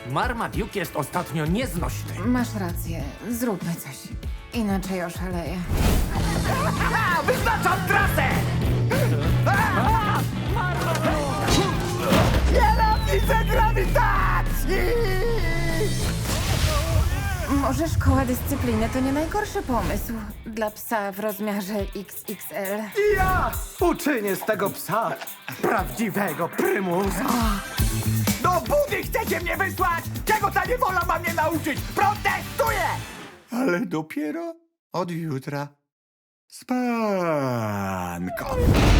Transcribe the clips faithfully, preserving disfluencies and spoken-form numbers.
Marmaduke jest ostatnio nieznośny. Masz rację, zróbmy coś. Inaczej oszaleję. A, wyznaczam trasę! Nienawidzę grawitacji! Może szkoła dyscypliny to nie najgorszy pomysł dla psa w rozmiarze X X L. Ja uczynię z tego psa prawdziwego prymusa. Do budy chcecie mnie wysłać? Czego ta niewola ma mnie nauczyć? Protestuję! Ale dopiero od jutra. Spanko.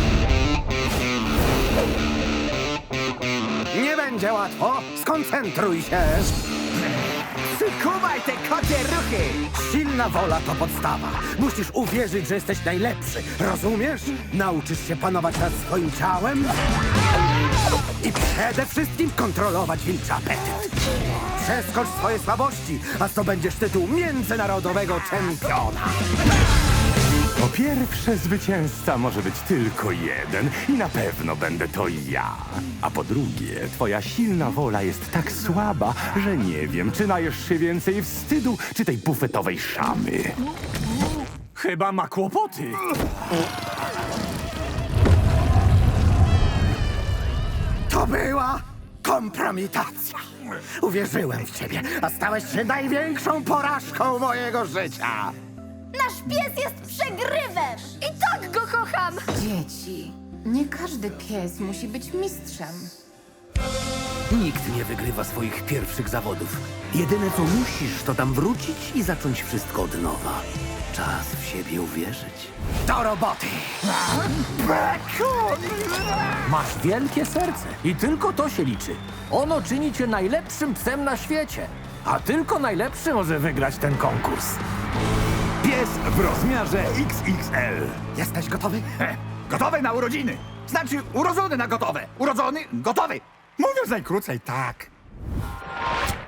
Nie będzie łatwo. Skoncentruj się. Przykuwaj te kocie ruchy! Silna wola to podstawa. Musisz uwierzyć, że jesteś najlepszy. Rozumiesz? Nauczysz się panować nad swoim ciałem i przede wszystkim kontrolować wilczy apetyt. Przeskocz swoje słabości, a zdobędziesz tytuł międzynarodowego czempiona. Po pierwsze, zwycięzca może być tylko jeden i na pewno będę to ja. A po drugie, twoja silna wola jest tak słaba, że nie wiem, czy najesz się więcej wstydu, czy tej bufetowej szamy. Chyba ma kłopoty. To była kompromitacja. Uwierzyłem w ciebie, a stałeś się największą porażką mojego życia. Nasz pies jest przegrywem! I tak go kocham! Dzieci, nie każdy pies musi być mistrzem. Nikt nie wygrywa swoich pierwszych zawodów. Jedyne co musisz, to tam wrócić i zacząć wszystko od nowa. Czas w siebie uwierzyć. Do roboty! Masz wielkie serce i tylko to się liczy. Ono czyni cię najlepszym psem na świecie. A tylko najlepszy może wygrać ten konkurs. Pies w rozmiarze X X L. Jesteś gotowy? He, gotowy na urodziny. Znaczy urodzony na gotowe. Urodzony, gotowy. Mówiąc najkrócej, tak.